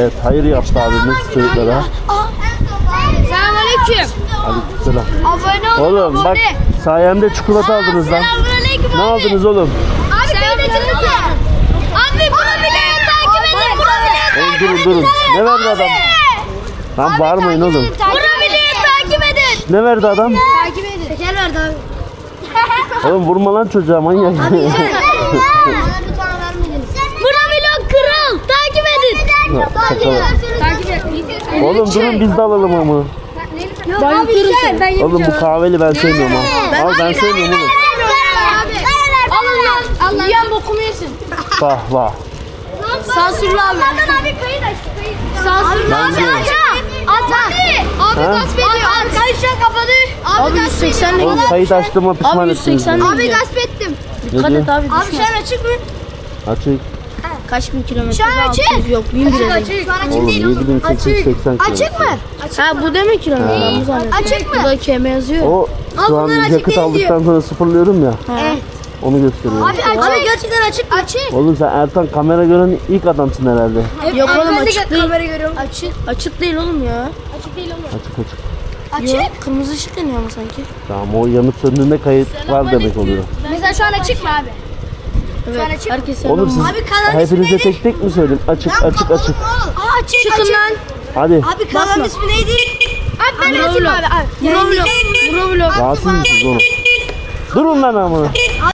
Evet, hayır yaptı abimiz çocuklara. Selamünaleyküm. Aleykümselam. Abone olun. Oğlum bak sayemde çikolata aldınız lan. Selamünaleyküm Ne abi. aldınız oğlum? Abi kayıt açıldı. Abi bunu bile takip edin. Bunu bile Oğlum durun. Ne verdi adam? Lan bağırmayın oğlum. Bunu bile takip edin. Ne verdi adam? Takip edin. Şeker verdi abi. Oğlum vurma lan çocuğa manyak. Buna vlog kral. Takip edin. Takip edin. Oğlum durun biz de alalım ama. Abi şey ben Oğlum bu kahveli ben sevmiyorum ha. Al ben sevmiyorum oğlum. Alın lan. Allah. Yiyen bokumu yesin. Vah vah. Sansürlü abi. Abi kayıt aç. Sansürlü abi. Bence. At abi. Abi Ha? gasp ediyor. Arkadaşlar kapadı. Abi gasp ediyor. Oğlum kayıt açtığıma pişman ettiniz. beni. Abi gasp ettim. Ne diyor? Abi şu an açık mı? Açık. Kaç bin kilometre? Şu an açık. Yok 1000 bile. Açık. Şu an açık Oğlum değil oğlum. 7880 kilo. Açık mı? Ha bu demek kilometre. Ben bu zannettim. Açık mı? Burada KM yazıyor. O şu an bunlar açık yakıt değil aldıktan sonra sıfırlıyorum ya. Evet. Onu gösteriyor. Abi gerçekten açık. Açık. Oğlum sen Ertan kamera gören ilk adamsın herhalde. Yok oğlum Ben de açık değil. kamera görüyorum. Açık değil oğlum ya. Açık değil oğlum. Açık açık. Açık. Yok, kırmızı ışık yanıyor ama sanki. Tamam o yanıp söndüğünde kayıt var demek oluyor. Mesela şu an açık mı abi? Evet. açık mı? Herkes Oğlum siz Abi kanalın hepinize ismi tek tek mi söyleyeyim? Açık açık açık. Aa açık. Çıkın lan. Hadi. Abi kanalın ismi neydi? Abi ben yazayım abi. Bro vlog. Bro vlog. Rahatsız mısınız oğlum? Durun lan ama.